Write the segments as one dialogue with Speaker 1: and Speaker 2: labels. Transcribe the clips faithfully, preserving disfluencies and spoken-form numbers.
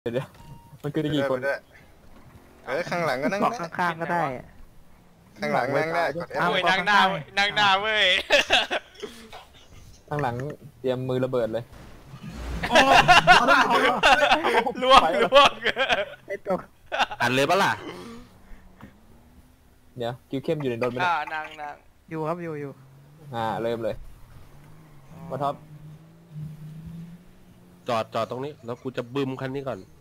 Speaker 1: เดี๋ยวมันคือได้กี่คน
Speaker 2: เออข้างหลังก็นั่งได้
Speaker 3: ข้างๆก็ได้
Speaker 2: ข้างหลังนั่งได้กด F
Speaker 3: เอา
Speaker 4: โอ้ยนั่งหน้านั่งหน้าเว้ย
Speaker 1: ข้างหลังเตรียมมือระเบิดเลย
Speaker 4: ล่วงล่วง
Speaker 3: ไอ้ตัว
Speaker 5: อันเลยปะล่ะ
Speaker 1: เดี๋ยวคิวเข้มอยู่ในรถไหม
Speaker 4: อ่านั่งนั่ง
Speaker 3: อยู่ครับอยู่อยู่
Speaker 1: อ่าเริ่มเลยมาท็อป
Speaker 5: จอดจอดตรงนี้แล้วกูจะบึมคันนี้ก่อน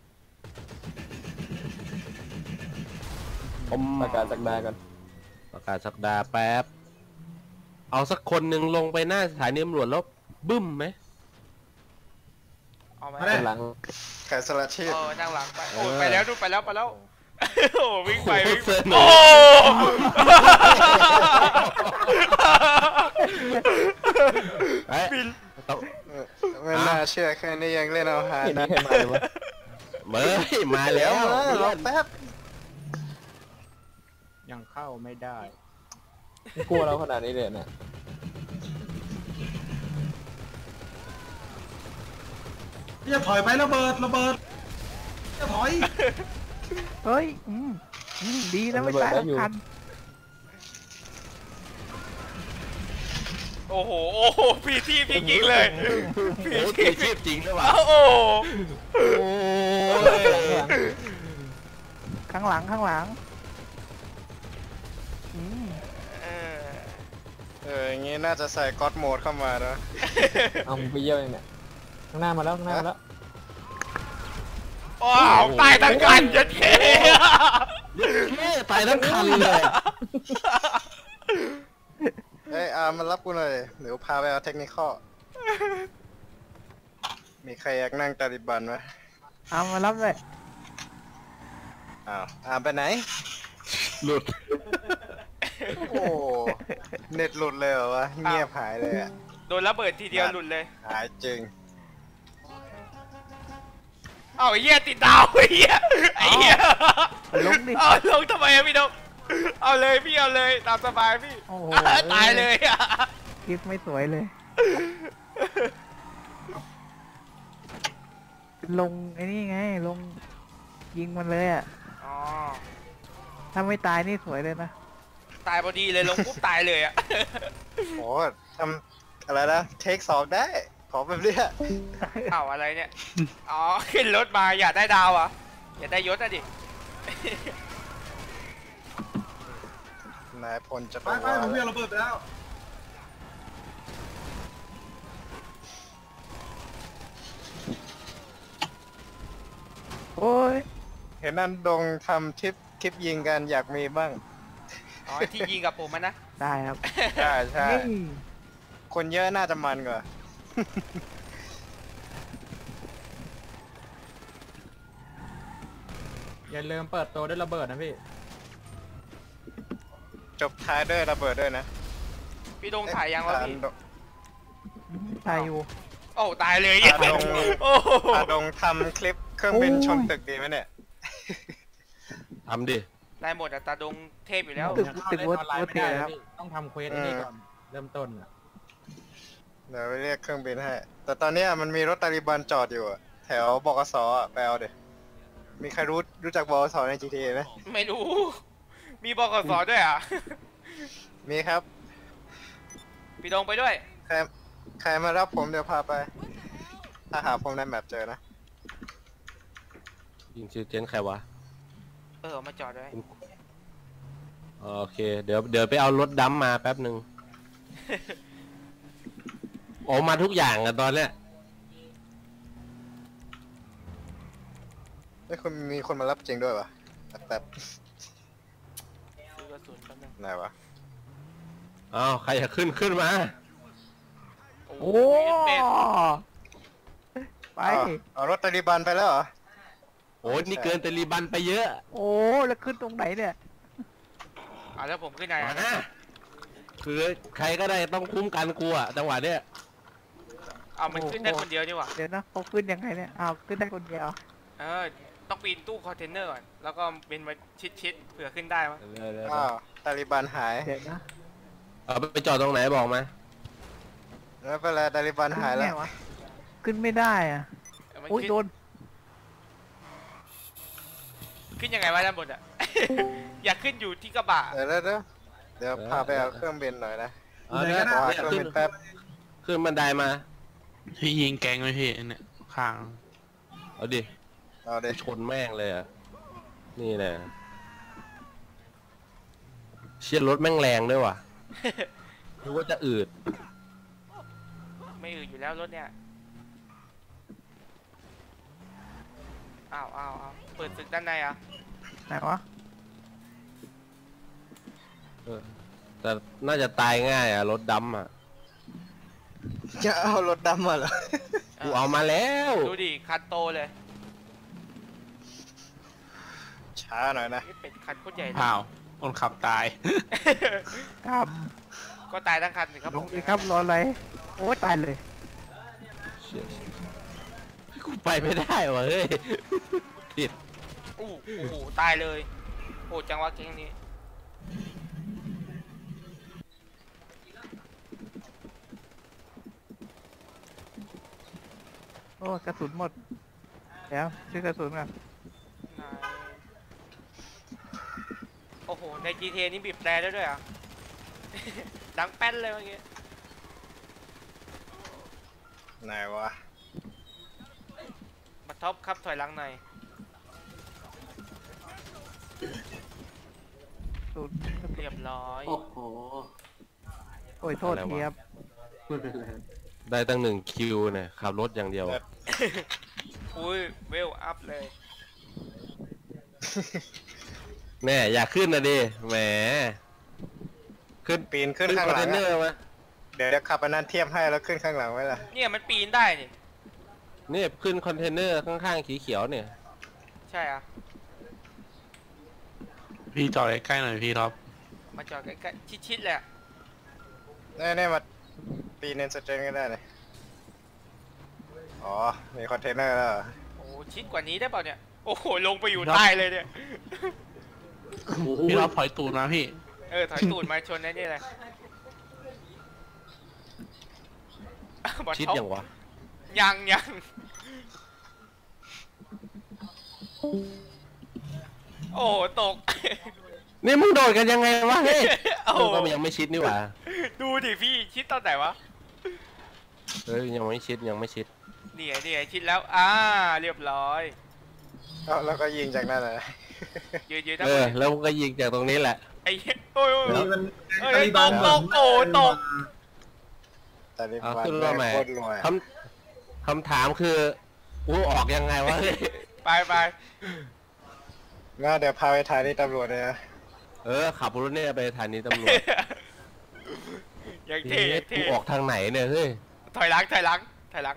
Speaker 5: ผม
Speaker 1: ประกาศสักดากัน
Speaker 5: ประกาศสักดาแป๊บเอาสักคนหนึ่งลงไปหน้าสถานีตำรวจแล้วบึ้มไหม
Speaker 4: เอาไหม
Speaker 1: หลัง
Speaker 2: แขกสลัดชีพ
Speaker 4: เออนั่งหลังไปโอ้ไปแล้วดูไปแล้วไปแล้วโอ้วิ่งไปวิ่ง
Speaker 5: โอ้
Speaker 4: บิน
Speaker 2: ไม่น่าเชื่อแค่นี้ยังเล่นเอาฮา
Speaker 1: เห็นนี่ใครมาเลยวะ
Speaker 5: เมื่อมาแล้ว
Speaker 2: รอแป๊บ
Speaker 3: ยังเข้าไม่ได้
Speaker 1: กลัวเราขนาดนี้เลยเนี่ย
Speaker 6: จะถอยไประเบิดระเบิดจะถอย
Speaker 3: เฮ้ยอืมดีนะไม่ตายทัน
Speaker 4: โอ้โหโอ้โหพี่ที่พี่จริงเลย
Speaker 5: พี่ที่ชีพจริงหรือเปล่า
Speaker 4: โอ้
Speaker 3: ข้างหลังข้างหลัง
Speaker 2: เอออย่างงี้น่าจะใส่ก็อดโหมดเข้ามานะ
Speaker 1: เอาไปเยี่ยมเองเนี่ยข้างหน้ามาแล้วข้างหน้ามาแล้ว
Speaker 4: ว้าวตายทั้งคันยัดเท่
Speaker 5: ตายทั้งคันเลย
Speaker 2: เอ้ยอามารับกูหน่อยเดี๋ยวพาไปเอาเทคนิคมีใครอยากนั่งตาลิบันไหม
Speaker 3: อามารับเลย
Speaker 2: อ้าวอาไปไหน
Speaker 5: หลุด
Speaker 2: โอ้เน็ตหลุดเลยเหรอวะเงียบหายเลยอะ
Speaker 4: โดนระเบิดทีเดียวหลุดเลย
Speaker 2: หายจริง
Speaker 4: เอาไอ้เหี้ยติดดาวไอ้เหี้ยไอ้เหี้ย
Speaker 3: ลงดิ
Speaker 4: เอาลงทำไมอะพี่นกเอาเลยพี่เอาเลยตามสบายพี่ตายเลยอะ
Speaker 3: คลิปไม่สวยเลยลงไอ้นี่ไงลงยิงมันเลยอ่ะ
Speaker 4: อ๋อ
Speaker 3: ถ้าไม่ตายนี่สวยเลยนะ
Speaker 4: ตายพอดีเลยลงปุ๊บตายเลยอ่ะ
Speaker 2: โอ้ทำอะไรนะเทคสองได้ขอแบบเนี้ย
Speaker 4: เอาอะไรเนี่ยอ๋อขึ้นรถมาอยากได้ดาวอ่ะอยากได้ยศอ่ะดิ
Speaker 2: นายพลจะ
Speaker 6: ไปไปผมเวียนระเบิดไปแล้ว
Speaker 3: โอ้ย
Speaker 2: เห็นนั่นดงทำทริปคลิปยิงกันอยากมีบ้าง
Speaker 4: อ๋อที่ยิงกับผมมันนะ
Speaker 3: ได้ครับ
Speaker 2: ใช่ใช่คนเยอะน่าจะมันกว่า
Speaker 1: อย่าลืมเปิดตัวด้วยระเบิดนะพี่
Speaker 2: จบท้ายด้วยระเบิดด้วยนะ
Speaker 4: พี่ดงถ่ายยังวะพี่
Speaker 3: ถ่ายอยู่
Speaker 4: โอ้ตายเลย
Speaker 2: อาดงอาดงทำคลิปเครื่องบินชนตึกดีไหมเนี่ย
Speaker 5: ทำดิ
Speaker 4: ได้หมดอะตาดงเทพอยู่แล้ว
Speaker 3: ตึกตึกวัดวัดเทพครับ
Speaker 1: ต้องทำเควสนี่ก่อนเริ่มต้นอ่ะ
Speaker 2: เดี๋ยวไปเรียกเครื่องบินให้แต่ตอนนี้มันมีรถตาลิบันจอดอยู่แถวบกสอ่ะไปเอาเดี๋ยวมีใครรู้รู้จักบกสใน จี ที เอ ไหม
Speaker 4: ไม่รู้มีบกสด้วยอ่ะ
Speaker 2: มีครับ
Speaker 4: พี่ดงไปด้วย
Speaker 2: ใครใครมารับผมเดี๋ยวพาไปถ้าหาผมในแมปเจอนะ
Speaker 5: ยิงชื่อเจนใครวะ
Speaker 4: เออมาจอดด้วย
Speaker 5: โอเคเดี๋ยวเดี๋ยวไปเอารถดัมมาแป๊บหนึ่งโอ้มาทุกอย่างอะตอนเนี้ย
Speaker 2: ไม่คนมีคนมารับจริงด้วยวะแป๊บ
Speaker 4: ซื้อกระสุนแป๊บนึง
Speaker 2: ไหนวะ
Speaker 5: อ้าวใครอยากขึ้นขึ้นมา
Speaker 3: โอ้ไป
Speaker 2: เอารถตาลิบันไปแล้วเหรอ
Speaker 5: โอ้นี่เกินตาลิบันไปเยอะ
Speaker 3: โอ้แล้วขึ้นตรงไหนเนี่ย
Speaker 4: อ่ะแล้วผมขึ้นไหนอ่ะ
Speaker 5: คือใครก็ได้ต้องคุ้มกันกูอ่ะจังหวะเนี้ย
Speaker 4: เอามันขึ้นได้คนเดียวนี่หว่า
Speaker 3: เดี๋ยวนะเขาขึ้นยังไงเนี่ยเอาขึ้นได้คนเดียว
Speaker 4: เออต้องปีนตู้คอนเทนเนอร์ก่อนแล้วก็เป็นมาชิดๆเผื่อขึ้นได้มั้ง
Speaker 2: อ้าวตาลิบันหาย
Speaker 3: เดี๋ยวนะ
Speaker 5: เอาไปจอดตรงไหนบอกมา
Speaker 2: แล้วเวลาตาลิบันหายแล้ว
Speaker 3: ขึ้นไม่ได้อ่ะอุ้ยโดน
Speaker 4: ขึ้นยังไงวะด้านบนอ่ะ อยากขึ้นอยู่ที่กระบะ
Speaker 2: เดี๋ยวเดี๋ยวเดี๋ยวเดี๋ยวพาไปเอาเครื่องบินหน่อยนะ
Speaker 5: เอาเนี่ย
Speaker 2: ขอหาเครื่อง
Speaker 5: ขึ้
Speaker 2: บิ
Speaker 5: น
Speaker 2: นแป๊บ
Speaker 5: ขึ้นบันไดมา
Speaker 3: พี่ยิงแกงไหมพี่เนี่ยข้าง
Speaker 5: เอาดิ
Speaker 2: เอาดิ
Speaker 5: ชนแม่งเลยอ่ะ นี่แหละเชียร์รถแม่งแรงด้วยว่ะ นึกว่าจะอืด
Speaker 4: ไม่อืดอยู่แล้วรถเนี่ยอ้าวอ้าวอ้าวเปิดศึกด้านในอ่ะ
Speaker 3: ไหนวะ
Speaker 5: เออแต่น่าจะตายง่ายอ่ะ รถดำอ่ะ
Speaker 2: จะเอารถดำมาเหรอ
Speaker 5: กูเอามาแล้ว
Speaker 4: ดูดิคันโตเลย
Speaker 2: ช้าหน่อยนะ
Speaker 4: นี่เป็นคันโคตรใหญ่เลย
Speaker 3: อ้าวคนขับตายครับ
Speaker 4: ก็ตายทั้งคันสิครับ
Speaker 3: ลงเลยครับรออะไรโอ้ตายเลย
Speaker 5: เชี่ยกูไปไม่ได้ว่ะเฮ้ยผิด
Speaker 4: อู้โอ้โหตายเลยโอ้จังหวะเก่งนี้
Speaker 3: โอ้กระสุนหมดเดี๋ยวซื้อกระสุนก่อน
Speaker 4: นายโอ้โหใน จี ที เอ นี่บีบแตรได้ด้วยเหรอ่ะ ดังแป้นเลยเมื่อกี้
Speaker 2: ไหนวะ
Speaker 4: มาท็อปครับถอยหลังหน่อย
Speaker 3: สุด
Speaker 4: เรียบร้อย
Speaker 6: โอ้โห
Speaker 3: โอ้ยโทษทีครับ
Speaker 6: ไม่เป็นไร
Speaker 5: ได้ตั้งหนึ่งคิวเนี่ยขับรถอย่างเดียว
Speaker 4: อุ้ยเวลอัพเลย
Speaker 5: แน่อยากขึ้นนะดิแหมขึ้น
Speaker 2: ปีนขึ้น
Speaker 5: ขึ้น
Speaker 2: ข้าง
Speaker 5: คอน
Speaker 2: หลั
Speaker 5: เท
Speaker 2: ง
Speaker 5: นเนอ
Speaker 2: อะ
Speaker 5: ร์มา
Speaker 2: เดี๋ยวเดี๋ยวขับอันนั้นเทียบให้แล้วขึ้นข้างหลังไว้ล่ะ
Speaker 4: เนี่ยมันปีนได้นี่
Speaker 5: นี่ขึ้นคอนเทนเนอร์ข้างๆสีเขียวเนี่ย
Speaker 4: ใช่อ่ะ
Speaker 3: พี่จอดใกล้ๆหน่อยพี่ท็อป
Speaker 4: มาจอดใกล้ๆชิดๆเลยอะ
Speaker 2: นี่นี่มาปีนเนนสเตรนก็ได้เลยอ๋อ มีคอนเทนเนอร์แล้วเหรอ
Speaker 4: โอ้ชิดกว่านี้ได้เปล่าเนี่ย โอ้โหลงไปอยู่ใต้เลยเนี่ย
Speaker 3: พี่ท็อปถอยตูดมาพี่
Speaker 4: เออถอยตูดมาชนไอ้นี่เลย
Speaker 5: ชิดอย่างวะ
Speaker 4: ยังยังโอ้โหตก
Speaker 5: นี่มึงโดดกันยังไงวะเฮ้ย
Speaker 4: โอ้
Speaker 5: เออก็ยังไม่ชิดนี่หว่า
Speaker 4: ดูดิพี่ชิดตอนไหนวะ
Speaker 5: เฮ้ยยังไม่ชิดยังไม่ชิด
Speaker 4: นี่ไงนี่ไงชิดแล้วอ่าเรียบร้อย
Speaker 2: เอาแล้วก็ยิงจากนั่นเลย
Speaker 4: ยืนยืนทั้ง
Speaker 5: เอ
Speaker 4: หม
Speaker 5: อ
Speaker 4: ด
Speaker 5: แล้วมึงก็ยิงจากตรงนี้แหละ
Speaker 4: ไอ้เหี้ยโอ้ยโอ้ย
Speaker 6: นี่มัน
Speaker 4: เอ้ยตกตกโอ้ตก
Speaker 2: ตอนนี้
Speaker 5: เอา
Speaker 2: วัน
Speaker 5: ขึ้น
Speaker 2: แร
Speaker 5: มาก ใหม่
Speaker 2: โคตรรวย
Speaker 5: คำคำถามคือกูออกยังไงวะเฮ้ย
Speaker 4: ไปไป
Speaker 2: งั้นเดี๋ยวพาไปถ่ายที่ตำรวจเลยนะ
Speaker 5: เออขับรถเนี่ยไปสถานีตำรวจ
Speaker 4: อย่าง
Speaker 5: เฮ้
Speaker 4: เท่
Speaker 5: ย
Speaker 4: เท่
Speaker 5: กูออกทางไหนเนี่ยเฮ้ย
Speaker 4: ถอยหลังถอยหลังถอยหลัง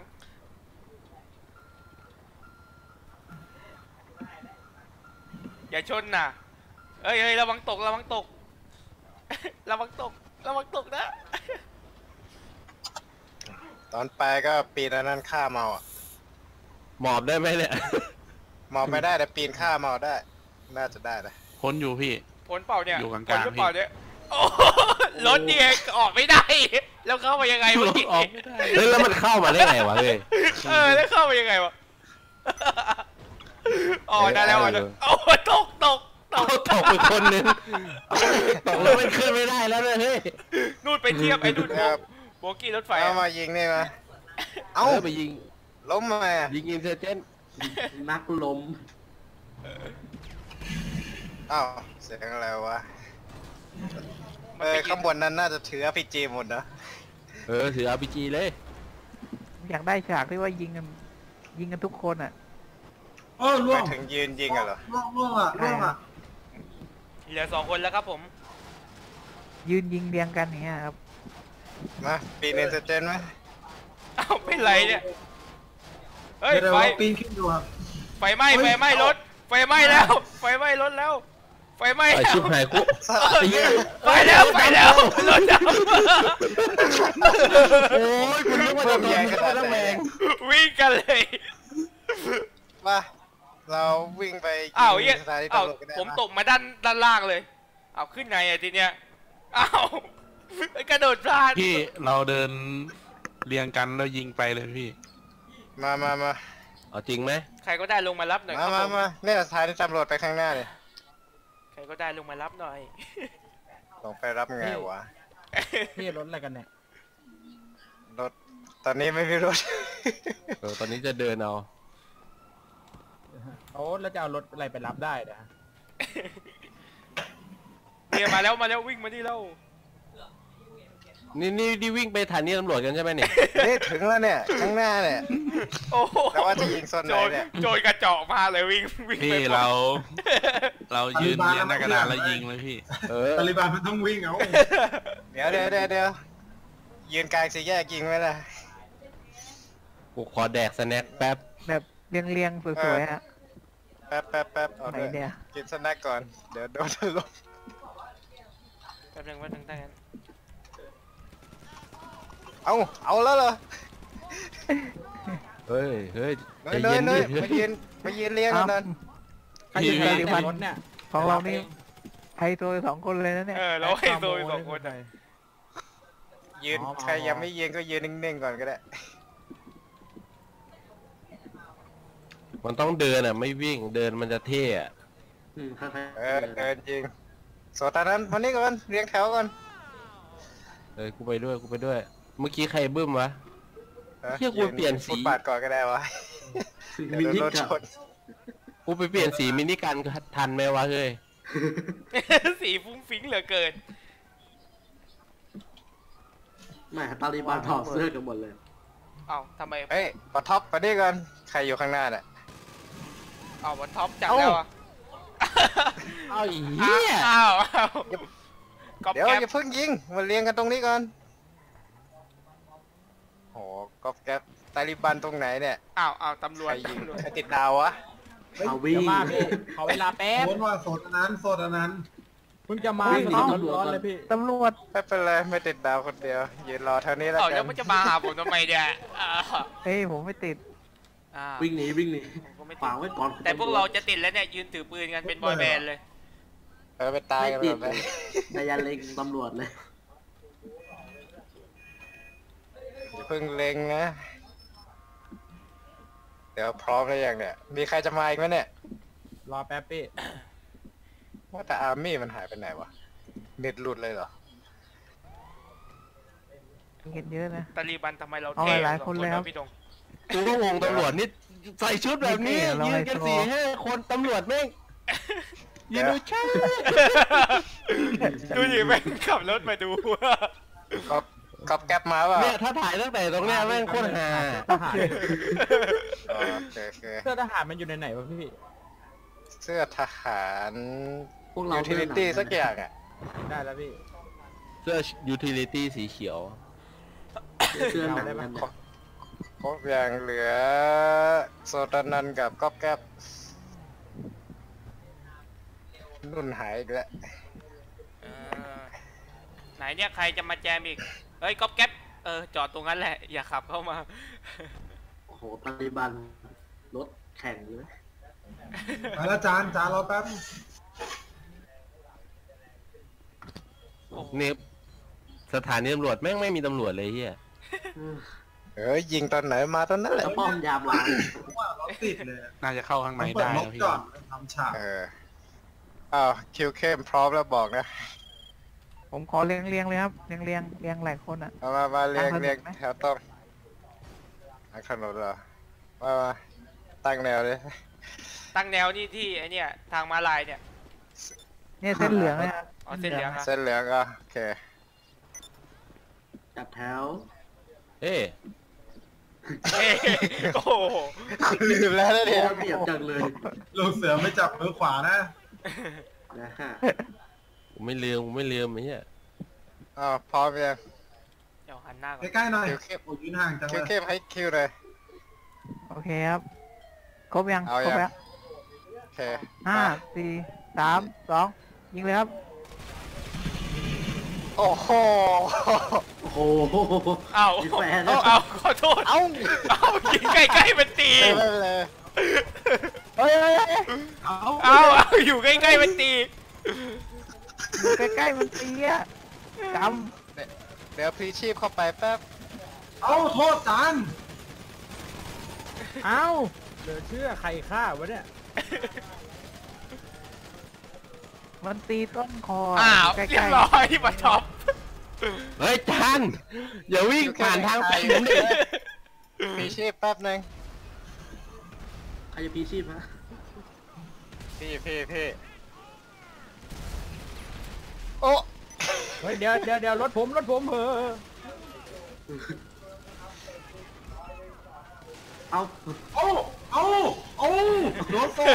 Speaker 4: อย่าชนน่ะเอ้ยเอ้ยระวังตกระวังตก ระวังตกระวังตกนะ
Speaker 2: ตอนไปก็ปีนอันนั้นข้ามเอาอะ
Speaker 5: หมอบได้ไหมเนี่ย
Speaker 2: มองไม่ได้แต่ปีนข้ามเอาได้ น่าจะได้นะ
Speaker 3: พ้นอยู่พี่
Speaker 4: ผลเปล่าเนี่ย
Speaker 3: อยู่กลางๆ
Speaker 4: ผลหรือเปล่าเนี่ยโอ้โหรถเนี่ยออกไม่ได้ แล้วเข้ามายังไงเมื่อกี้
Speaker 3: ออกไม่ได้
Speaker 5: เฮ้ยแล้วมันเข้ามาได้ไงวะเฮ้ย
Speaker 4: เออแล้วเข้ามายังไงวะอ๋อได้แล้วอ๋อได้โอ้โหตกตกต
Speaker 5: เอา
Speaker 4: ก
Speaker 5: ตกไปคนนึงตกแล้วมันขึ้นไม่ได้แล้วเนี่ยเฮ้ย
Speaker 4: นู่นไปเทียบไอ้นู่น
Speaker 2: ครับ
Speaker 4: โบกี้รถไฟ
Speaker 2: เอา
Speaker 4: อะ
Speaker 2: มายิงนี่มา
Speaker 5: เอ้า
Speaker 2: เอ้า
Speaker 5: ไปยิง
Speaker 2: ล้มมา
Speaker 5: ยิงอินเซอร์เจน
Speaker 6: นักลม
Speaker 2: เอ้าเสียงอะไรวะ
Speaker 4: มั
Speaker 2: เอน อ
Speaker 4: ไป
Speaker 2: ข้างบนนั้นน่าจะถือ อาร์ พี จี หมดนะ
Speaker 5: เออถือ อาร์ พี จี เลย
Speaker 3: อยากได้ฉากที่ว่ายิงกันยิงกันทุกคนอ่ะ
Speaker 6: โอ้ล่ว
Speaker 2: ไป
Speaker 6: ง
Speaker 2: ถึงยืนยิงอะเหรอ
Speaker 6: ล่วงล่วงอ่ะล่วงอ่ะ
Speaker 4: เหลือสองคนแล้วครับผม
Speaker 3: ยืนยิงเรียงกันอย่างเงี้ยครับ
Speaker 2: มาปีนเนนสเตนไหม
Speaker 4: เอ้าเป็นไรเนี่ยเฮ้ย
Speaker 6: เดี๋ยว
Speaker 4: ไฟ
Speaker 6: เราปีนขึ้นดูครับ
Speaker 4: ไฟไหม้ไฟไหม้รถไฟไหม้แล้วไฟไหม้รถแล้วไฟไหม้
Speaker 5: ไอ
Speaker 4: แล้ว
Speaker 5: ชิบหายกู
Speaker 4: ไปแล้วไปแล้วรถดับ
Speaker 5: โอ้ยคุณนึกว่าจะโดนมึงก็ต้องแรง
Speaker 4: วิ่งกันเลย
Speaker 2: มาเราวิ่งไป
Speaker 4: อ้าว
Speaker 2: ยิ
Speaker 4: เหี้ย
Speaker 2: งสถานี
Speaker 4: อ้าว
Speaker 2: ตำรวจกันได้
Speaker 4: ผม
Speaker 2: ปะ
Speaker 4: ตกมาด้านด้านล่างเลยอ้าวขึ้นไงอะทีเนี้ยอ้าวกระโดดพลาด
Speaker 3: พี่เราเดินเรียงกันแล้วยิงไปเลยพี่
Speaker 2: มามามา
Speaker 5: เเอาจริงไหม
Speaker 4: ใครก็ได้ลงมารับหน่อยค
Speaker 2: มา
Speaker 4: รับ
Speaker 2: มา
Speaker 4: ผม
Speaker 2: มาเนี่ยสถานีตำรวจไปข้างหน้าเลย
Speaker 4: ใครก็ได้ลงมารับหน่อย
Speaker 2: ลงไปรับไงวะ
Speaker 1: พี่รถอะไรกันเนี่ย
Speaker 2: รถตอนนี้ไม่มีรถ
Speaker 5: เออตอนนี้จะเดินเอา
Speaker 1: โอ้แล้วจะเอารถอะไรไปรับได้นะ
Speaker 4: เนี่ยมาแล้วมาแล้ววิ่งมาที่เรา
Speaker 5: นี่นี่ที่วิ่งไปฐานีตำรวจกันใช่ไหมเนี่ย
Speaker 2: นี่ถึงแล้วเนี่ยข้างหน้าเนี่ย
Speaker 4: โอ้โห
Speaker 2: แต่ว่าจะยิงโซนไหน
Speaker 4: โจร
Speaker 2: เนี่ย
Speaker 4: โจรกระจอกมาเลยวิ่งวิ่ง
Speaker 7: พี่
Speaker 4: ไป
Speaker 7: เรา เรายืนเรียนหน้ากระดานแล้วยิงเลยพี่
Speaker 5: เออ
Speaker 6: ตาลิบันมันต้องวิ่งเอา
Speaker 2: เดี๋ยวเดี๋ยวเดี๋ยวเดี๋ยวยืนกลางสี่แยกยิงไหมล่ะ
Speaker 5: กูขอแดกสแน็คแป๊บ
Speaker 3: แบบเรียงเรียงๆสวยๆฮะ
Speaker 2: แป๊บแป๊บแป๊บเอา
Speaker 3: ไหน
Speaker 2: ด้วย
Speaker 3: เนี่ย
Speaker 2: กินสแน็คก่อนเดี๋ยวโดนถล่ม
Speaker 4: แป๊บนึงแป๊บนึงตั้งนั้น
Speaker 2: เอาเอาแล้วเหรอ
Speaker 5: เฮ้ยเฮ้ย
Speaker 2: เน
Speaker 5: ใจ
Speaker 2: ยเน
Speaker 5: เย็
Speaker 2: ย
Speaker 5: น
Speaker 2: เน
Speaker 5: ดิ
Speaker 2: ยมายืนมายืนเลี้ยงกันนั่น
Speaker 1: ใครจะไปในรถเนี่ย
Speaker 3: ของเรานี่ไฮโซสองคนเลยนะเนี่ย
Speaker 4: เออเราให้โซยสองคน
Speaker 1: ใคร
Speaker 2: ยืน
Speaker 1: อ๋อ
Speaker 2: ใครยังไม่ยืนก็ยืนนิ่งๆก่อนก็ได้
Speaker 5: มันต้องเดินอ่ะไม่วิ่งเดินมันจะเท่อะ
Speaker 2: เออเดินยิงโซตานั้นวันนี้ก่อนเรียงแถวก่อน
Speaker 5: เออกูไปด้วยกูไปด้วย เมื่อกี้ใครบึ้มวะ
Speaker 2: ฮะ
Speaker 5: เหี้ยกูเปลี่ยนสี
Speaker 2: ฟุตบาทก่อนก็ได้วะเดี๋ยวโดนรถชน
Speaker 5: กูไปเปลี่ยนสีมินิกันทันไหมวะเฮ้ย
Speaker 4: สีฟุ้งฟิ้งเหลือเกิน
Speaker 8: แหมตาลีบันถอดเสื้อกันหมดเลย
Speaker 4: เอ้าทำไม
Speaker 2: เฮ้ยปะท็อปมานี่ก่อนใครอยู่ข้างหน้าเนี่ย
Speaker 4: เอ้าวันท็อปจัดแล้วอ่ะ
Speaker 5: เอาอีเหี้ย
Speaker 4: อ้าวอ้าวก๊อป
Speaker 2: เดี๋ยว
Speaker 4: แก๊ป
Speaker 2: อย่าเพิ่งยิงมาเรียงกันตรงนี้ก่อนโหก๊อปแก๊ปตาลิบันตรงไหนเนี่ย
Speaker 4: อ้าวอ้าวตำรว
Speaker 2: ใค
Speaker 4: จ
Speaker 2: รยิง
Speaker 4: ตำรวจ
Speaker 2: ใครติดดาววะ
Speaker 8: เอาวิ่ง
Speaker 1: เดี๋ยวมาพี่ขอเวลาแป๊บ
Speaker 6: โดนว่าโสดอันนั้นโสดอันนั้น
Speaker 1: เพิ่งจะมา
Speaker 8: วิ่งหนี
Speaker 1: ร้อน
Speaker 8: ตำรวจ
Speaker 1: ร้อน
Speaker 8: ก่อน
Speaker 1: เลยพี่
Speaker 3: ตำรวจ
Speaker 2: ไม่เป็นไรไม่ติดดาวคนเดียวยืนรอเท่านี้แล้ว
Speaker 4: เอ้า
Speaker 2: กั
Speaker 4: แล้ว
Speaker 2: น
Speaker 4: มันจะมาหาผมทำไมเนี่ยอ้าว
Speaker 3: เฮ้ยผมไม่ติด
Speaker 4: อ้าว
Speaker 8: วิ่งหนีวิ่งหนี
Speaker 4: ผมก็ไม่ติ
Speaker 8: ฝา
Speaker 4: ด
Speaker 8: กไว้ก่อน
Speaker 4: แต่พวกเราจะติดแล้วเนี่ยยืนถือปืนกันเป็นบอยแบนด์เลย
Speaker 2: เออไปตาย
Speaker 8: ไม่
Speaker 2: กัน
Speaker 8: ติ
Speaker 2: ห
Speaker 8: ด
Speaker 2: มดไป
Speaker 8: แต่อยันเล็งตำรวจเลย
Speaker 2: อย่าเพิ่งเล็งนะ เดี๋ยวพร้อมแล้วยังเนี่ย มีใครจะมาอีกไหมเนี่ย
Speaker 1: รอแป๊บพี่
Speaker 2: ว่าแต่อาร์มี่มันหายไปไหนวะเน็ตหลุดเลยเหรอ
Speaker 3: เห็นเยอะนะ
Speaker 4: ตาลีบันทำไมเรา
Speaker 3: เอา
Speaker 4: เท่
Speaker 3: หลาย
Speaker 4: สอง
Speaker 3: คนเลยครับ
Speaker 4: วะพี่ดง
Speaker 5: กูก็งงตำรวจนี่ใส่ชุดแบบนี้
Speaker 3: เรา
Speaker 5: ยื
Speaker 3: ให้
Speaker 5: นกัน
Speaker 3: โชว์
Speaker 5: สี่ห้าคนตำรวจแม่งยืนดูช่า
Speaker 4: ดูดิแม่งขับรถมาดู
Speaker 2: ก็กอบแก๊ปมาเปล่า
Speaker 5: เนี่ยถ้าถ่ายตั้งแต่ตรงเนี้ยแม่งโคตรฮา
Speaker 1: ทหาร
Speaker 2: อ๋อโอเคโอเค
Speaker 1: เสื้อทหารมันอยู่ในไหนวะพี่
Speaker 2: เสื้อทหาร
Speaker 8: พวกเรา
Speaker 2: ยูทิลิตี้สักอย่างอ่ะ
Speaker 1: ได้แล้วพี่
Speaker 5: เสื้อยูทิลิตี้สีเขียว
Speaker 8: เสื้อหนังกัน
Speaker 2: ครบครบอย่างเหลือโซตานันกับก๊อบแก๊ปนุ่นหายอีกแล้ว
Speaker 4: เออไหนเนี่ยใครจะมาแจมอีก เฮ้ยก๊อปแก๊ปเออจอดตรงนั้นแหละ อย่าขับเข้ามา
Speaker 8: โอ้โหตาลีบันรถแข่งเลย
Speaker 6: ไปแล้วจานจานรอแป๊บ
Speaker 5: เนี่ยสถานีตำรวจแม่งไม่มีตำรวจเลยเฮีย
Speaker 2: เอ้ยยิงตอนไหนมาตอนนั้นแหละ
Speaker 8: แล้วป้อมยามหลัง
Speaker 6: ว่ารถติดเลย
Speaker 7: น่าจะเข้าข้างใน
Speaker 6: ต้องเปิด
Speaker 7: ได้
Speaker 6: ร
Speaker 7: แล้
Speaker 6: ถ
Speaker 7: วพี่
Speaker 6: ก่อนทำฉาก
Speaker 2: เอออ้าวคิวเข้มพร้อมแล้วบอกนะ
Speaker 3: ผมขอเรียงเรียงๆเลยครับเรียงเรียงเรียงหลายคนอ่ะ
Speaker 2: เอามามาเรียง
Speaker 3: ทางถนน
Speaker 2: เรียง
Speaker 3: ไหม
Speaker 2: แถวต้องทางถนนเหรอมามาตั้งแนวเลย
Speaker 4: ตั้งแนวนี่ที่ไอเนี่ยทางมาลายเนี่ย
Speaker 3: เนี่ยเส้นเหลืองนะครับ
Speaker 4: อ๋อเส้นเหลืองอะ
Speaker 2: เส้นเหลืองอ่ะโอเค
Speaker 8: จัดแถว
Speaker 5: เอ้ย
Speaker 4: เอ้ยโอ้โห
Speaker 2: ลืมแล้วนะ
Speaker 8: โอ้
Speaker 2: เนี่ย
Speaker 8: เปรียบจังเลย
Speaker 6: ลูกเสือไม่จับมือขวานะ
Speaker 8: นะฮะ
Speaker 5: กูไม่ลืมกูไม่ลืมไอ้เหี้ย
Speaker 2: อ้าวพร้อมยัง
Speaker 4: เดี๋ยวหันหน้าก่อน
Speaker 6: ใกล้ๆหน่อย
Speaker 2: คิวเข้ม
Speaker 6: โอ้ยืนห่างจัง
Speaker 2: คิ
Speaker 6: เล
Speaker 2: วย เข้มให้คิวเลย
Speaker 3: โอเคครับครบยัง
Speaker 2: เอา
Speaker 3: ครบ
Speaker 2: ยัง
Speaker 3: แล้ว
Speaker 2: โอเค
Speaker 3: ห้า
Speaker 2: มา
Speaker 3: สี่สามสองยิงเลยครับ
Speaker 2: โอ้โห
Speaker 8: โอ้โห
Speaker 4: เอ้า
Speaker 8: มีแฟน
Speaker 4: เอ้าเอ้าขอโทษ
Speaker 2: เอ้า
Speaker 4: เอ้ายิงใกล้ๆเป็นตี
Speaker 2: ไม่เป็นไร
Speaker 3: เฮ้ยเฮ้ยเฮ้ย
Speaker 6: เอา
Speaker 4: เอ้าเอ้าอยู่ใกล้ๆเป็นตี
Speaker 3: อยู่ใกล้ๆมันตีอ่ะจ
Speaker 2: เดี๋ยวพลีชีพเข้าไปแป๊บ
Speaker 6: เอาโทษจาน
Speaker 1: เอ้าเหลือเชื่อใครฆ่าวะเนี่ย
Speaker 3: มันตีต้นคอ
Speaker 4: อ้าว
Speaker 3: ใกล้
Speaker 4: เรียบร้อยมาท็อป
Speaker 5: เฮ้ยจานอย่าวิ่งผ่านทางไปผมดิ
Speaker 2: พีชีพแป๊บนึง
Speaker 8: ใครจะพีชีพฮะ
Speaker 2: พี่พี่พี่โอ้
Speaker 1: เฮ้ยเดี๋ยวเดี๋ยวเดี๋ยวรถผมรถผมเหอะ
Speaker 8: เอา
Speaker 6: โอ้โอ้โอ้โดนโซ่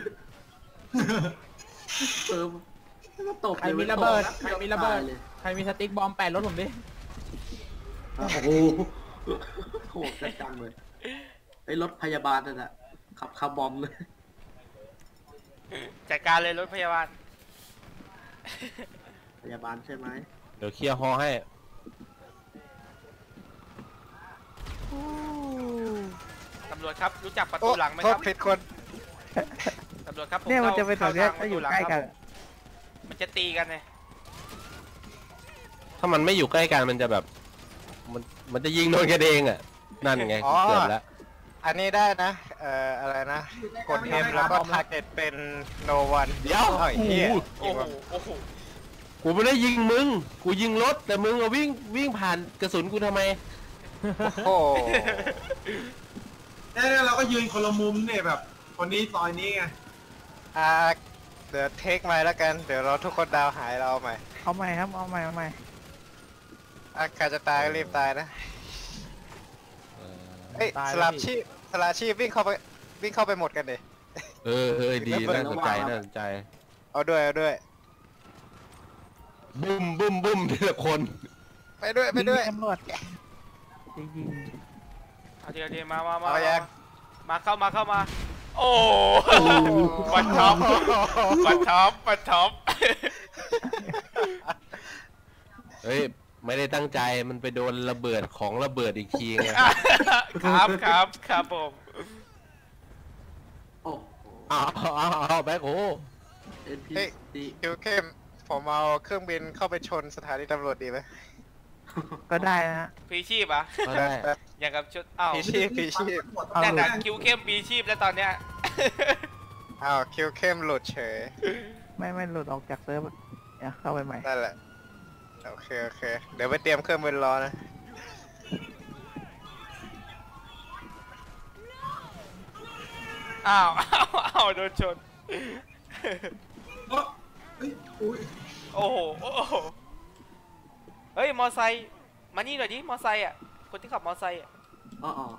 Speaker 8: เออก็ตบ
Speaker 1: ใครมีระเบิด
Speaker 8: ลย
Speaker 1: ใครมีระเบิด
Speaker 8: เลย
Speaker 1: ใครมีสติ๊กบอมแปะรถผมดิ
Speaker 8: โอ้โหโหดจังเลยไอ้รถพยาบาลนั่นแหละขับคาร์บอมเลย
Speaker 4: จัดการเลยรถพยาบาล
Speaker 8: พยาบาลใช่ไหม
Speaker 5: เดี๋ยวเคลียร์ฮอให้
Speaker 4: ตำรวจครับรู้จักประ
Speaker 2: โอ้
Speaker 4: ตูหลังไหม
Speaker 2: โท
Speaker 4: ค
Speaker 2: ษ
Speaker 4: รับ
Speaker 2: ผิดคน
Speaker 4: ตำรวจครับผม
Speaker 3: เนี่ยมันจะ
Speaker 4: ข้า
Speaker 3: ไปแถวเนี้ย
Speaker 4: ข้า
Speaker 3: ถ้าอยู่
Speaker 4: ทง
Speaker 3: ใกล้กัน
Speaker 4: ประตูหลังครับมันจะตีกันไง
Speaker 5: ถ้ามันไม่อยู่ใกล้กันมันจะแบบ มันมันจะยิงโดนกันเองอ่ะ นั่นไง
Speaker 2: อ๋อ
Speaker 5: เกือบแล้ว
Speaker 2: อันนี้ได้นะ เอ่อ อะไรนะ กด M แล้วก็ target เป็น no one
Speaker 5: เดี๋ยว
Speaker 2: อ้าไอ้เหี้ย
Speaker 4: โอ้โหโอ้โห
Speaker 5: กูไม่ได้ยิงมึง กูยิงรถแต่มึงอะวิ่งวิ่งผ่านกระสุนกูทำไม
Speaker 2: โอ้โห
Speaker 6: เนี่ยเราก็ยืนคนละมุมเนี่ยแบบ คนนี้ซอยนี้ไง
Speaker 2: อ่าเดี๋ยวเทคไม้แล้วกัน เดี๋ยวเราทุกคนดาวหายเราเอาใหม่
Speaker 3: เอาใหม่ครับเอาใหม่เอาใหม่
Speaker 2: อ่ะใครจะตายก็รีบตายนะ เฮ้ย
Speaker 1: ตาย
Speaker 2: ส
Speaker 1: แล้
Speaker 2: ลั
Speaker 1: ว
Speaker 2: บ
Speaker 1: พี่
Speaker 2: ชีพสลับชีพวิ่งเข้าไปวิ่งเข้าไปหมดกันดิ
Speaker 5: เออเออดีน่าสนใจน่าสนใจ
Speaker 2: เอาด้วยเอาด้วย
Speaker 5: บุ้มบุ้มบุ้มทีละคน
Speaker 2: ไปด้วยไปด้วย
Speaker 3: ตำรวจจริง
Speaker 4: เอาทีละทีมามามา
Speaker 2: เอายัง
Speaker 4: มาเข้ามาเข้ามา โอ้บัตท็อปบัตท็อปบัตท็อป
Speaker 5: เฮ้ยไม่ได้ตั้งใจมันไปโดนระเบิดของระเบิดอีกทีไง
Speaker 4: ครับครับครับผม
Speaker 8: โอ้โห
Speaker 5: อ้าวอ้าวอ้าวแบ็คโฮ
Speaker 8: เอ็นพี
Speaker 2: เฮ้ย
Speaker 8: ซี
Speaker 2: คิวเข้มผมเอาเครื่องบินเข้าไปชนสถานีตำรวจดีไหม
Speaker 3: ๆก็ได้นะฮะ
Speaker 4: พีชีพอ่ะ
Speaker 5: ก็ได้
Speaker 2: แป๊บ
Speaker 4: อย่างกับชุดอ้าว
Speaker 2: พีชีพพีชีพ
Speaker 3: เอา
Speaker 4: แต่
Speaker 3: หลุ
Speaker 4: แต่
Speaker 3: ด
Speaker 4: คิวเข้มปีชีพแล้วตอนเนี้ย
Speaker 2: อ้าวคิวเข้มหลุดเฉย
Speaker 3: ไม่ไม่หลุดออกจากเซิร์ฟเนี่ยเข้าไปใหม่
Speaker 2: นั่นแหละ โอเคโอเค เดี๋ยวไปเตรียมเครื่องบินรอนะ
Speaker 4: อ้าวอ้าวอ้าวโดนชน
Speaker 6: เอ้อเฮ้ยอุ้ย
Speaker 4: โอ้โหโอ้โหเฮ้ยมอไซค์มานี่หน่อยดิมอไซค์อ่ะคนที่ขับมอไซค์อ่ะ
Speaker 8: อ๋ออ๋อ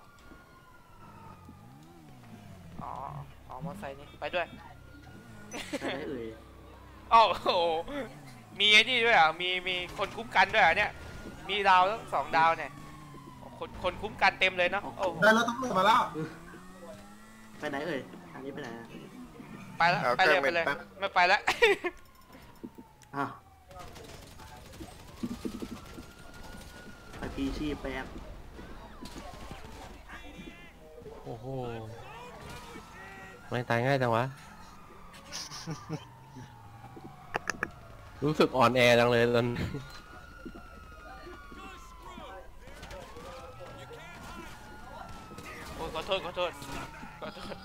Speaker 4: อ๋ออ๋อมอไซค์นี่ไปด้วย
Speaker 8: ใครได้เอ่ย
Speaker 4: อ้าวโอ้โหมีไอ้นี่ด้วยอ่ะมีมีคนคุ้มกันด้วยอ่ะเนี่ยมีดาวทั้งสองดาวเนี่ยคนคนคุ้มกันเต็มเลยเนาะโอ้โห
Speaker 6: ได้แล้วตำรวจมาแล้ว
Speaker 8: ไปไหนเอ่ยอันนี้ไปไหนอะ
Speaker 4: ไปแล้วไปเลยไปเลยไม่ไปแล้ว
Speaker 8: อ้าวไปพีชีพแป๊บ
Speaker 5: โอ้โหไม่ตายง่ายจังวะ รู้สึกอ่อนแอจังเลยตอน
Speaker 4: โอ้ยขอโทษขอโทษขอโทษ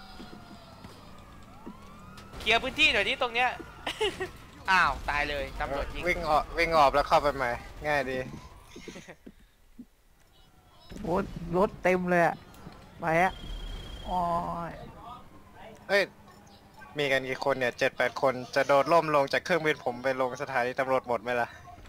Speaker 4: เคลียร์พื้นที่หน่อยดิตรงเนี้ย อ้าวตายเลยตำรวจยิง
Speaker 2: วิ่งออกวิ่งออกแล้วเข้าไปใหม่ ง่ายดี
Speaker 3: โอ้รถเต็มเลยอะไปอะโอ้ย
Speaker 2: เฮ้ย มีกันกี่คนเนี่ยเจ็ดแปดคน จะโดดล่มลงจากเครื่องบินผมไปลงสถานีตำรวจหมดไหมล่ะ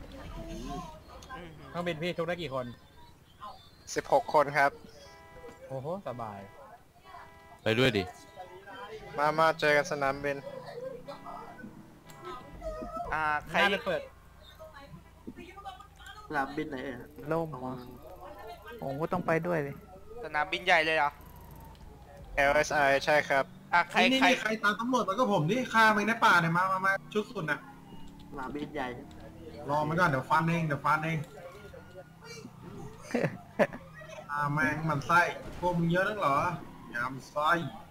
Speaker 1: เครื่องบินพี่ทุกได้กี่คน
Speaker 2: สิบหกคนครับ
Speaker 1: โอ้โหสบาย
Speaker 5: ไปด้วยดิ
Speaker 2: มามาเจอกันสนามบิน
Speaker 4: อ่าใคร
Speaker 1: น่าจะเปิด
Speaker 8: สนามบินไหนเอ่ย
Speaker 3: ล่ม
Speaker 8: อ๋อ
Speaker 3: อ่ะผมก็ต้องไปด้วยเลย
Speaker 4: สนามบินใหญ่เลยเหรอ
Speaker 2: แอล เอส ไอ ใช่ครับ
Speaker 4: อ่ะใคร
Speaker 6: นี่
Speaker 4: ใคร
Speaker 6: นี่ใครตามตำรวจมาก็ผมนี่ฆ่ามันในป่าเนี่ยมามามาชุดสุดน่ะ
Speaker 8: สนามบินใหญ่
Speaker 6: รอมันก่อนเดี๋ยวฟันเองเดี๋ยวฟันเอง อ่าแมงมันไส้พวกมึงเยอะนักเหรอยำไส้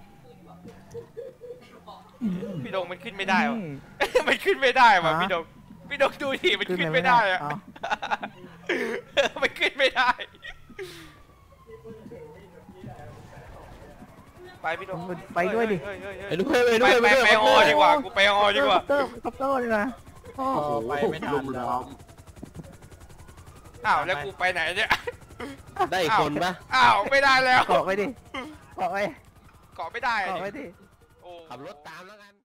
Speaker 4: พี่ดงมันขึ้นไม่ได้วะ
Speaker 3: อืม
Speaker 4: มันขึ้นไม่ได้ว่ะ
Speaker 3: ฮะ
Speaker 4: พี่ดงพี่ดงดูดิมัน
Speaker 3: ขึ้น
Speaker 4: ขึ้น
Speaker 3: เลยไม่
Speaker 4: ไม่ได้
Speaker 3: ได้
Speaker 4: อะ
Speaker 3: อ๋อ
Speaker 4: มันขึ้นไม่ได้ไปพี่โด
Speaker 3: ไปด้วยดิ
Speaker 4: เฮ้เฮ้ย
Speaker 5: ไป
Speaker 4: เฮ้ย
Speaker 5: ด้วยไป
Speaker 4: ไป
Speaker 5: ด้วย
Speaker 4: ไปไปฮอดีกว่ากูไปฮอดีกว่า
Speaker 3: คอปเตอร์คอปเตอร์เลยนะโอ้
Speaker 1: อ๋อไปไม่ทั
Speaker 8: ลุ
Speaker 1: น
Speaker 8: ม
Speaker 1: แล้
Speaker 8: ล้
Speaker 1: ว
Speaker 8: อม
Speaker 4: อ้าวแล้วกูไปไหนเนี่ย
Speaker 5: ได้อีกคนปะ
Speaker 4: อ้าวไม่ได้แล้ว
Speaker 3: เกาะไปดิเกาะไป
Speaker 4: เกาะไม่ได้อะ
Speaker 3: เกาะไป
Speaker 4: ดิ
Speaker 3: ดิ
Speaker 4: โอ้
Speaker 5: ขับรถตามแล้วกัน